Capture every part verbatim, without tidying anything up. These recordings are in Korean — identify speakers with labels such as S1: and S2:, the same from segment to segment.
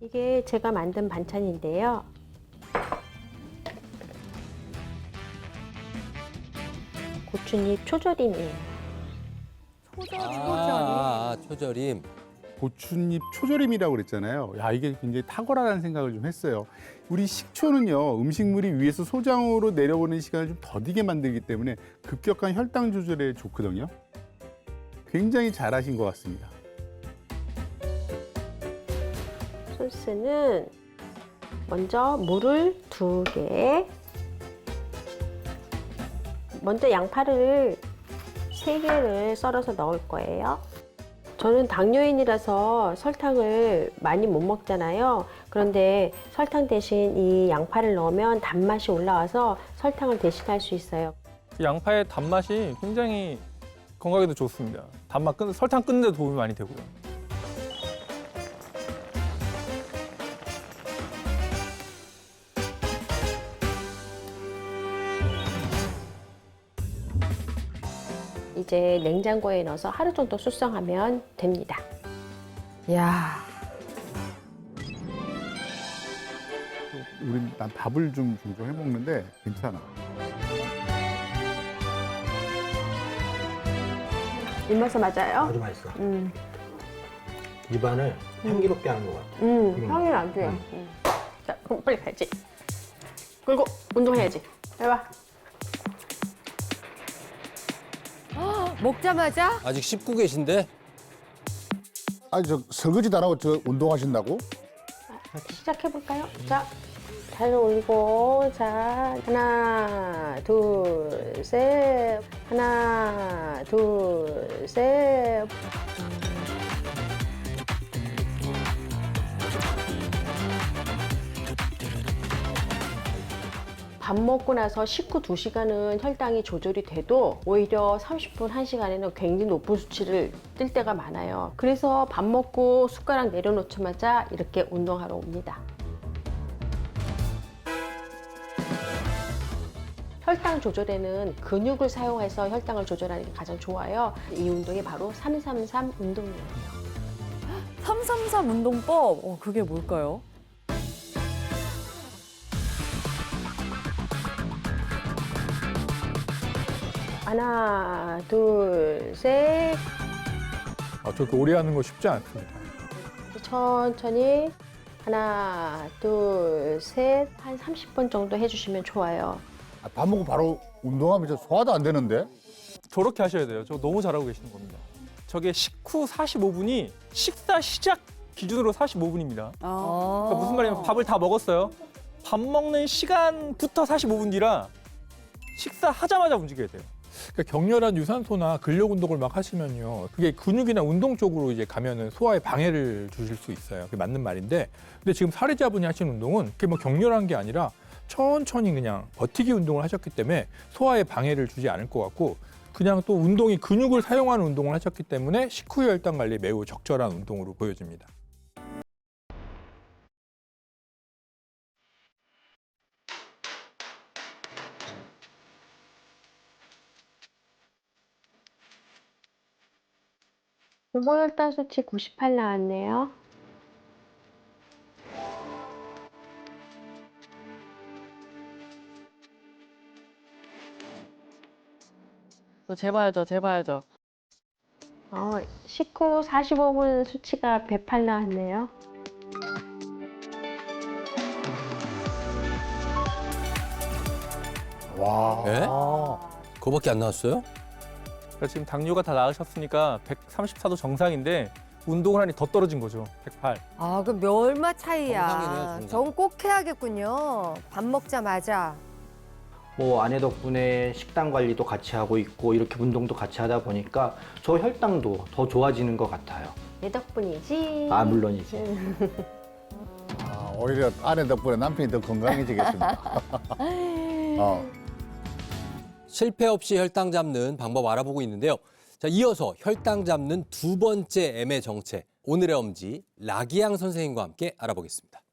S1: 이게 제가 만든 반찬인데요. 고추잎 초절임이에요.
S2: 초절임.
S3: 아, 아, 초절임.
S4: 고추잎 초절임이라고 그랬잖아요. 야, 이게 굉장히 탁월하다는 생각을 좀 했어요. 우리 식초는요, 음식물이 위에서 소장으로 내려오는 시간을 좀 더디게 만들기 때문에 급격한 혈당 조절에 좋거든요. 굉장히 잘하신 것 같습니다.
S1: 소스는 먼저 물을 두 개, 먼저 양파를 세 개를 썰어서 넣을 거예요. 저는 당뇨인이라서 설탕을 많이 못 먹잖아요. 그런데 설탕 대신 이 양파를 넣으면 단맛이 올라와서 설탕을 대신할 수 있어요.
S5: 양파의 단맛이 굉장히 건강에도 좋습니다. 단맛 끊, 설탕 끊는 데 도움이 많이 되고요.
S1: 이제 냉장고에 넣어서 하루 정도 숙성하면 됩니다.
S2: 야,
S4: 우린 난 밥을 좀 종종 해 먹는데 괜찮아.
S1: 입맛에 맞아요?
S6: 아주 맛있어.
S1: 음,
S6: 입안을 향기롭게 하는 것 같아.
S1: 음,
S6: 음.
S1: 향이 나지?
S6: 음.
S1: 음. 자, 그럼 빨리 가야지. 그리고 운동해야지. 해봐.
S2: 먹자마자
S3: 아직 씹고 계신데?
S7: 아니 저 설거지도 안 하고 저 운동하신다고?
S1: 시작해볼까요? 자, 잘 올리고, 자, 하나, 둘, 셋, 하나, 둘, 셋. 밥 먹고 나서 식후 두 시간은 혈당이 조절이 돼도 오히려 삼십 분, 한 시간에는 굉장히 높은 수치를 뜰 때가 많아요. 그래서 밥 먹고 숟가락 내려놓자마자 이렇게 운동하러 옵니다. 혈당 조절에는 근육을 사용해서 혈당을 조절하는 게 가장 좋아요. 이 운동이 바로 삼삼삼 운동이에요.
S2: 삼삼삼 운동법. 어, 그게 뭘까요?
S1: 하나, 둘, 셋.
S5: 아, 저렇게 오래 하는 거 쉽지 않습니다.
S1: 천천히 하나, 둘, 셋. 한 삼십 분 정도 해주시면 좋아요.
S7: 아, 밥 먹고 바로 운동하면 저 소화도 안 되는데?
S5: 저렇게 하셔야 돼요. 저 너무 잘하고 계시는 겁니다. 저게 식후 사십오 분이 식사 시작 기준으로 사십오 분입니다.
S2: 아.
S5: 그러니까 무슨 말이냐면 밥을 다 먹었어요. 밥 먹는 시간부터 사십오 분 뒤라 식사하자마자 움직여야 돼요.
S8: 그러니까 격렬한 유산소나 근력 운동을 막 하시면요. 그게 근육이나 운동 쪽으로 이제 가면은 소화에 방해를 주실 수 있어요. 그게 맞는 말인데. 근데 지금 사례자분이 하신 운동은 그게 뭐 격렬한 게 아니라 천천히 그냥 버티기 운동을 하셨기 때문에 소화에 방해를 주지 않을 것 같고 그냥 또 운동이 근육을 사용하는 운동을 하셨기 때문에 식후 혈당 관리에 매우 적절한 운동으로 보여집니다.
S1: 고혈당 수치 구십팔 나왔네요.
S9: 저 재봐야죠, 재봐야죠.
S1: 어, 식후 사십오 분 수치가 백팔 나왔네요.
S7: 와.
S3: 예?
S6: 아,
S3: 그거밖에 안 나왔어요?
S5: 그러니까 지금 당뇨가 다 나으셨으니까 백삼십사 도 정상인데 운동을 하니 더 떨어진 거죠. 백팔.
S2: 아, 그 얼마
S3: 정상이네요,
S2: 차이야.
S3: 정상.
S2: 전 꼭 해야겠군요. 밥 먹자마자.
S6: 뭐 아내 덕분에 식단 관리도 같이 하고 있고 이렇게 운동도 같이 하다 보니까 저 혈당도 더 좋아지는 것 같아요.
S1: 내 덕분이지.
S6: 아 물론이지.
S7: 아, 오히려 아내 덕분에 남편이 더 건강해지겠습니다. 어.
S3: 실패 없이 혈당 잡는 방법 알아보고 있는데요. 자, 이어서 혈당 잡는 두 번째 M의 정체, 오늘의 엄지 라기양 선생님과 함께 알아보겠습니다.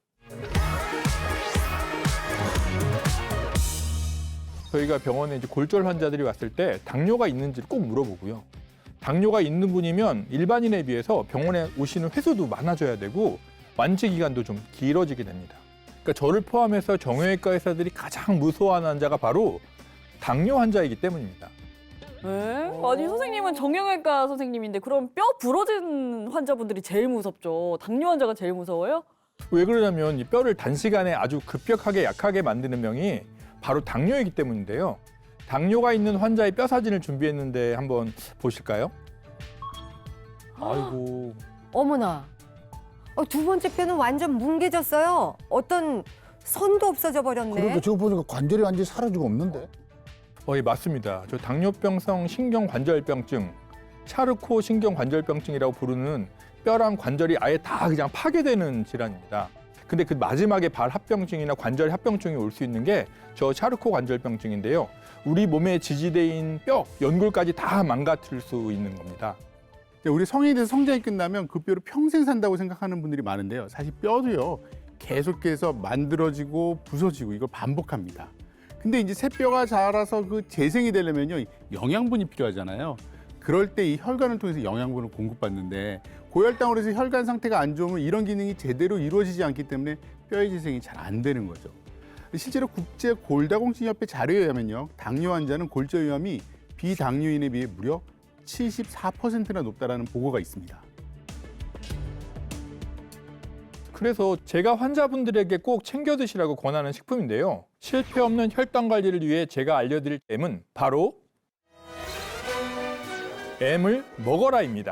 S8: 저희가 병원에 이제 골절 환자들이 왔을 때 당뇨가 있는지를 꼭 물어보고요. 당뇨가 있는 분이면 일반인에 비해서 병원에 오시는 횟수도 많아져야 되고 완치 기간도 좀 길어지게 됩니다. 그러니까 저를 포함해서 정형외과 의사들이 가장 무서워하는 환자가 바로 당뇨 환자이기 때문입니다.
S2: 어.
S9: 에? 아니 선생님은 정형외과 선생님인데 그럼 뼈 부러진 환자분들이 제일 무섭죠. 당뇨 환자가 제일 무서워요?
S8: 왜 그러냐면 이 뼈를 단시간에 아주 급격하게 약하게 만드는 병이 바로 당뇨이기 때문인데요. 당뇨가 있는 환자의 뼈 사진을 준비했는데 한번 보실까요?
S3: 아이고.
S2: 어머나. 어, 두 번째 뼈는 완전 뭉개졌어요. 어떤 선도 없어져 버렸네.
S7: 그러니까 저거 보니까 관절이 완전히 사라지고 없는데.
S8: 어, 예, 맞습니다. 저 당뇨병성 신경관절병증, 차르코 신경관절병증이라고 부르는 뼈랑 관절이 아예 다 그냥 파괴되는 질환입니다. 근데 그 마지막에 발 합병증이나 관절 합병증이 올 수 있는 게 저 차르코 관절병증인데요. 우리 몸의 지지대인 뼈, 연골까지 다 망가뜨릴 수 있는 겁니다.
S4: 우리 성인이 돼서 성장이 끝나면 그 뼈로 평생 산다고 생각하는 분들이 많은데요. 사실 뼈도요, 계속해서 만들어지고 부서지고 이걸 반복합니다. 근데 이제 새 뼈가 자라서 그 재생이 되려면요, 영양분이 필요하잖아요. 그럴 때 이 혈관을 통해서 영양분을 공급받는데 고혈당으로 해서 혈관 상태가 안 좋으면 이런 기능이 제대로 이루어지지 않기 때문에 뼈의 재생이 잘 안 되는 거죠. 실제로 국제 골다공증협회 자료에 의하면요, 당뇨 환자는 골절 위험이 비당뇨인에 비해 무려 칠십사 퍼센트나 높다라는 보고가 있습니다.
S8: 그래서 제가 환자분들에게 꼭 챙겨 드시라고 권하는 식품인데요. 실패 없는 혈당 관리를 위해 제가 알려드릴 M은 바로 M을 먹어라입니다.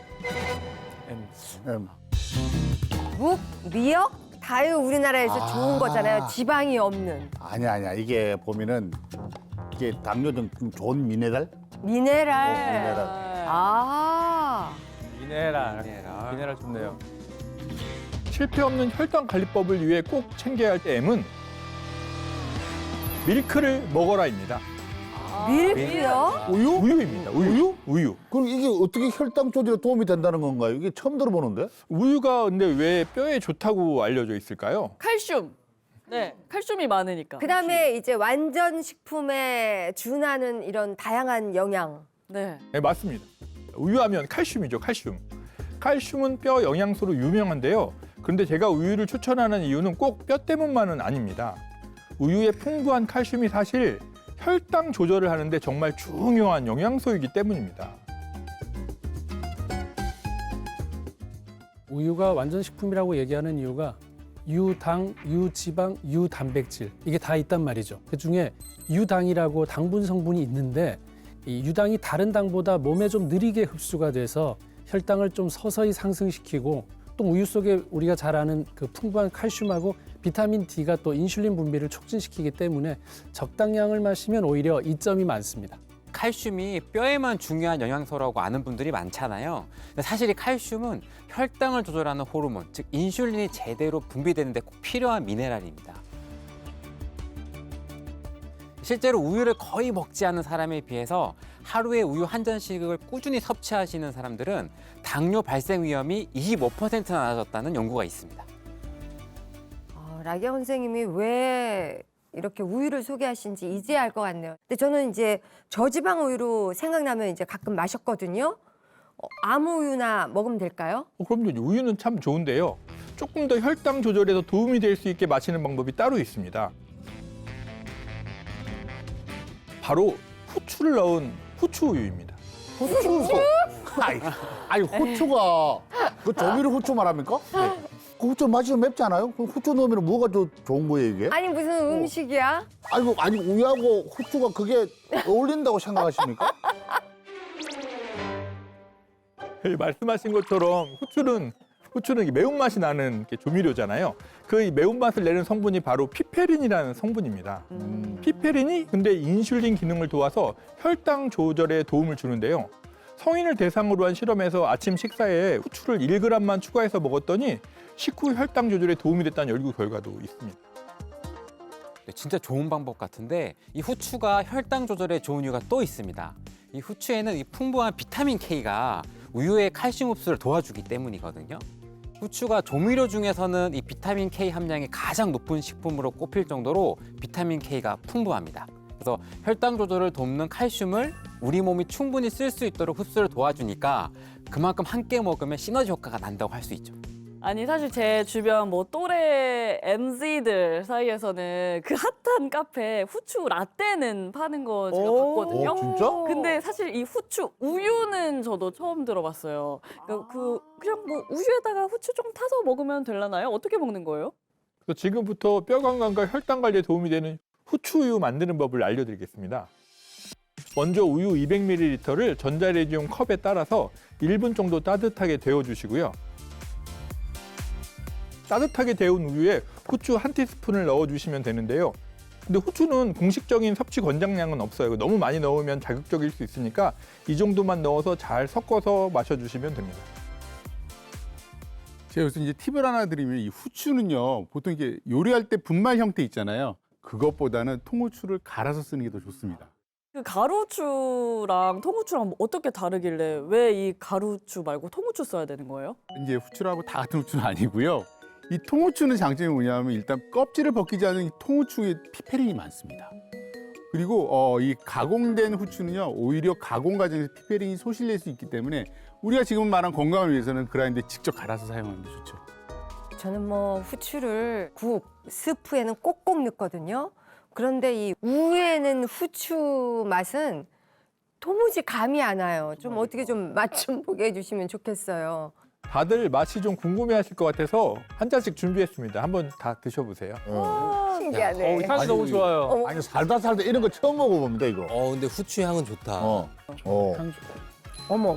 S7: 음.
S2: 묵, 미역, 다유 우리나라에서
S7: 아.
S2: 좋은 거잖아요. 지방이 없는.
S7: 아니야, 아니야. 이게 보면은 이게 당뇨 등 좋은 미네랄?
S2: 미네랄.
S7: 어, 미네랄.
S2: 아.
S5: 미네랄. 미네랄 좋네요.
S8: 실패 없는 혈당 관리법을 위해 꼭 챙겨야 할 M은 밀크를 먹어라입니다.
S2: 밀크요?
S7: 우유?
S8: 우유입니다. 우유. 우유.
S7: 그럼 이게 어떻게 혈당 조절에 도움이 된다는 건가요? 이게 처음 들어보는데?
S8: 우유가 근데 왜 뼈에 좋다고 알려져 있을까요?
S9: 칼슘. 네, 칼슘이 많으니까.
S2: 그다음에 이제 완전 식품에 준하는 이런 다양한 영양.
S9: 네.
S8: 네, 맞습니다. 우유하면 칼슘이죠, 칼슘. 칼슘은 뼈 영양소로 유명한데요. 그런데 제가 우유를 추천하는 이유는 꼭 뼈 때문만은 아닙니다. 우유의 풍부한 칼슘이 사실 혈당 조절을 하는데 정말 중요한 영양소이기 때문입니다.
S10: 우유가 완전 식품이라고 얘기하는 이유가 유당, 유지방, 유단백질 이게 다 있단 말이죠. 그중에 유당이라고 당분 성분이 있는데 이 유당이 다른 당보다 몸에 좀 느리게 흡수가 돼서 혈당을 좀 서서히 상승시키고 또 우유 속에 우리가 잘 아는 그 풍부한 칼슘하고 비타민 D가 또 인슐린 분비를 촉진시키기 때문에 적당량을 마시면 오히려 이점이 많습니다.
S11: 칼슘이 뼈에만 중요한 영양소라고 아는 분들이 많잖아요. 근데 사실 이 칼슘은 혈당을 조절하는 호르몬, 즉 인슐린이 제대로 분비되는 데 꼭 필요한 미네랄입니다. 실제로 우유를 거의 먹지 않는 사람에 비해서 하루에 우유 한 잔씩을 꾸준히 섭취하시는 사람들은 당뇨 발생 위험이 이십오 퍼센트나 낮아졌다는 연구가 있습니다.
S2: 어, 라기영 선생님이 왜 이렇게 우유를 소개하신지 이제 알 것 같네요. 근데 저는 이제 저지방 우유로 생각나면 이제 가끔 마셨거든요. 어, 아무 우유나 먹으면 될까요?
S8: 어, 그럼요. 우유는 참 좋은데요. 조금 더 혈당 조절에 도움이 될 수 있게 마시는 방법이 따로 있습니다. 바로 후추를 넣은 후추 우유입니다.
S7: 후추? 아니, 아니 후추가 그 조미료 후추 말합니까? 네. 그 후추 맛이 좀 맵지 않아요? 그럼 후추 넣으면 뭐가 더 좋은 거예요, 이게?
S2: 아니 무슨 음식이야?
S7: 아니, 뭐, 아니 우유하고 후추가 그게 어울린다고 생각하십니까?
S8: 네, 말씀하신 것처럼 후추는 후추는 이게 매운맛이 나는 이렇게 조미료잖아요. 그 매운맛을 내는 성분이 바로 피페린이라는 성분입니다.
S2: 음.
S8: 피페린이 근데 인슐린 기능을 도와서 혈당 조절에 도움을 주는데요. 성인을 대상으로 한 실험에서 아침 식사에 후추를 일 그램만 추가해서 먹었더니 식후 혈당 조절에 도움이 됐다는 연구 결과도 있습니다.
S11: 네, 진짜 좋은 방법 같은데 이 후추가 혈당 조절에 좋은 이유가 또 있습니다. 이 후추에는 이 풍부한 비타민 K가 우유의 칼슘 흡수를 도와주기 때문이거든요. 후추가 조미료 중에서는 이 비타민 K 함량이 가장 높은 식품으로 꼽힐 정도로 비타민 K가 풍부합니다. 그래서 혈당 조절을 돕는 칼슘을 우리 몸이 충분히 쓸 수 있도록 흡수를 도와주니까 그만큼 함께 먹으면 시너지 효과가 난다고 할 수 있죠.
S9: 아니 사실 제 주변 뭐 또래 엠지들 사이에서는 그 핫한 카페 후추 라떼는 파는 거 제가
S2: 오.
S9: 봤거든요.
S7: 어, 진짜?
S9: 근데 사실 이 후추 우유는 저도 처음 들어봤어요. 그러니까 그 그냥 뭐 우유에다가 후추 좀 타서 먹으면 되려나요? 어떻게 먹는 거예요?
S8: 그래서 지금부터 뼈 건강과 혈당 관리에 도움이 되는 후추우유 만드는 법을 알려드리겠습니다. 먼저 우유 이백 밀리리터를 전자레인지용 컵에 따라서 일 분 정도 따뜻하게 데워주시고요. 따뜻하게 데운 우유에 후추 한 티스푼을 넣어주시면 되는데요. 근데 후추는 공식적인 섭취 권장량은 없어요. 너무 많이 넣으면 자극적일 수 있으니까 이 정도만 넣어서 잘 섞어서 마셔주시면 됩니다.
S4: 제가 여기서 이제 팁을 하나 드리면 이 후추는요, 보통 이게 요리할 때 분말 형태 있잖아요. 그것보다는 통후추를 갈아서 쓰는 게 더 좋습니다.
S9: 그 가루후추랑 통후추랑 뭐 어떻게 다르길래 왜 이 가루후추 말고 통후추 써야 되는 거예요?
S4: 이제 후추라고 다 같은 후추는 아니고요. 이 통후추는 장점이 뭐냐면 일단 껍질을 벗기지 않은 이 통후추에 피페린이 많습니다. 그리고 어, 이 가공된 후추는요, 오히려 가공 과정에서 피페린이 소실될 수 있기 때문에 우리가 지금 말한 건강을 위해서는 그라인더에 직접 갈아서 사용하는 게 좋죠.
S2: 저는 뭐 후추를 국, 스프에는 꼭꼭 넣거든요. 그런데 이 우유에는 후추 맛은 도무지 감이 안 와요. 좀 어떻게 좀 맛 좀 보게 해주시면 좋겠어요.
S8: 다들 맛이 좀 궁금해하실 것 같아서 한 잔씩 준비했습니다. 한번 다 드셔보세요.
S7: 어.
S2: 신기하네.
S5: 어, 향이 너무 좋아요.
S2: 어.
S7: 아니 살다 살다 이런 거 처음 먹어봅니다 이거.
S3: 어, 근데 후추 향은 좋다.
S7: 어. 어.
S10: 향
S2: 어머.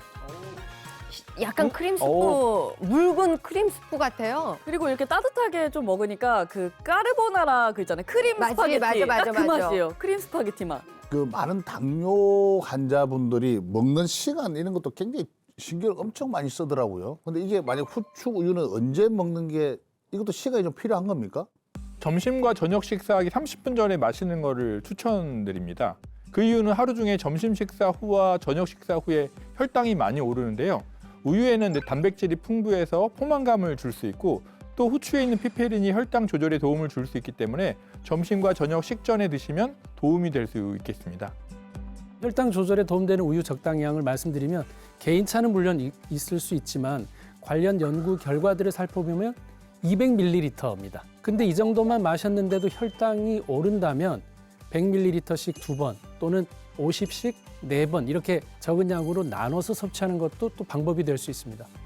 S2: 약간 크림 스프,
S5: 어.
S2: 묽은 크림 스프 같아요.
S9: 그리고 이렇게 따뜻하게 좀 먹으니까 그 까르보나라 그 있잖아요. 크림
S2: 맞지,
S9: 스파게티.
S2: 맞아, 맞아,
S9: 딱 그
S2: 맞아.
S9: 맛이에요. 크림 스파게티 맛.
S7: 그 많은 당뇨 환자분들이 먹는 시간 이런 것도 굉장히 신경을 엄청 많이 쓰더라고요. 근데 이게 만약 후추 우유는 언제 먹는 게 이것도 시간이 좀 필요한 겁니까?
S8: 점심과 저녁 식사하기 삼십 분 전에 마시는 거를 추천드립니다. 그 이유는 하루 중에 점심 식사 후와 저녁 식사 후에 혈당이 많이 오르는데요. 우유에는 단백질이 풍부해서 포만감을 줄 수 있고 또 후추에 있는 피페린이 혈당 조절에 도움을 줄 수 있기 때문에 점심과 저녁 식전에 드시면 도움이 될 수 있겠습니다.
S10: 혈당 조절에 도움되는 우유 적당량을 말씀드리면 개인차는 물론 이- 있을 수 있지만 관련 연구 결과들을 살펴보면 이백 밀리리터입니다. 근데 이 정도만 마셨는데도 혈당이 오른다면 백 밀리리터씩 두 번 또는 오십씩 네 번 이렇게 적은 양으로 나눠서 섭취하는 것도 또 방법이 될 수 있습니다.